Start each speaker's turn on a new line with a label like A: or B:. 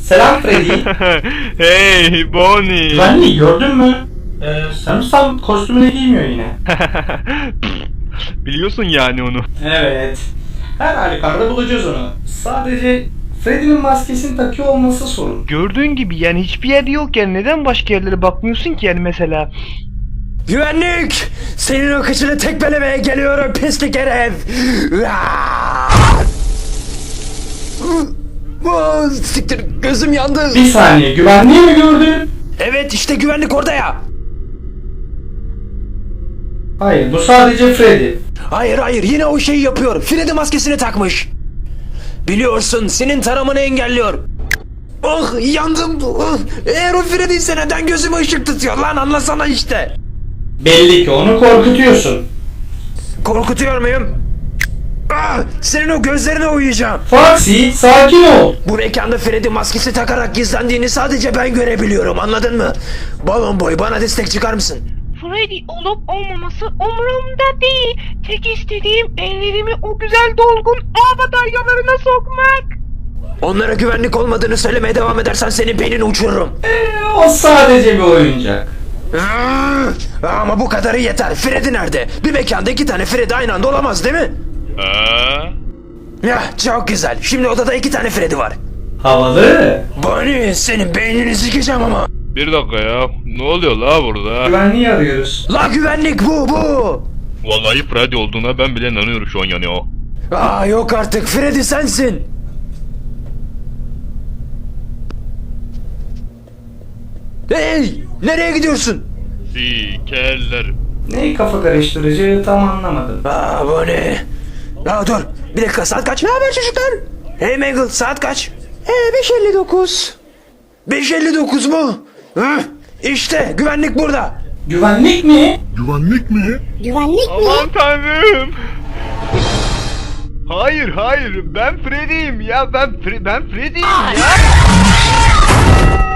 A: Selam Freddy.
B: Hey Bonnie.
A: Güvenliği gördün mü? Sanırsam kostümünü giymiyor yine.
B: Biliyorsun yani onu.
A: Evet. Her halükarda bulacağız onu. Sadece Freddy'nin maskesini takıyor olması sorun.
B: Gördüğün gibi yani hiçbir yerde yokken neden başka yerlere bakmıyorsun ki yani mesela?
C: Güvenlik! Senin o kıçını tekmelemeye geliyorum pislik herif! Siktir, gözüm yandı.
A: Bir saniye, güvenliği mi gördün?
C: Evet, işte güvenlik orada ya.
A: Hayır, bu sadece Freddy.
C: Hayır, yine o şeyi yapıyor. Freddy maskesini takmış. Biliyorsun, senin taramanı engelliyor. Oh, yandım. Oh, eğer o Freddy ise neden gözüme ışık tutuyor lan, anlasana işte.
A: Belli ki onu korkutuyorsun.
C: Korkutuyor muyum? Senin o gözlerine uyuyacağım.
A: Foxy, sakin ol.
C: Bu mekanda Freddy maskesi takarak gizlendiğini sadece ben görebiliyorum, anladın mı? Balon boy, bana destek çıkar mısın?
D: Freddy olup olmaması umurumda değil. Tek istediğim ellerimi o güzel dolgun ağ bataryalarına sokmak.
C: Onlara güvenlik olmadığını söylemeye devam edersen senin beynini uçururum.
A: O sadece bir oyuncak.
C: Ama bu kadarı yeter. Freddy nerede? Bir mekanda 2 tane Freddy aynı anda olamaz değil mi? Ya çok güzel. Şimdi odada 2 tane Freddy var.
A: Havalı.
C: Bonnie, senin beynini sikeceğim ama.
B: Bir dakika ya. Ne oluyor la burada?
A: Güvenliği arıyoruz.
C: La güvenlik bu.
B: Vallahi Freddy olduğuna ben bile inanıyorum şu an yani o.
C: Yok artık, Freddy sensin. Hey, nereye gidiyorsun?
B: Sikerler.
A: Neyi kafa karıştırıcı tam anlamadım.
C: Bonnie. Dur, bir dakika, saat kaç? Ne haber çocuklar? Hey Mangle, saat kaç? 5:59. 5:59 mu? İşte güvenlik burada.
A: Güvenlik mi?
B: Aman tanrım. Hayır ben Freddy'yim ya ben Freddy'yim ya.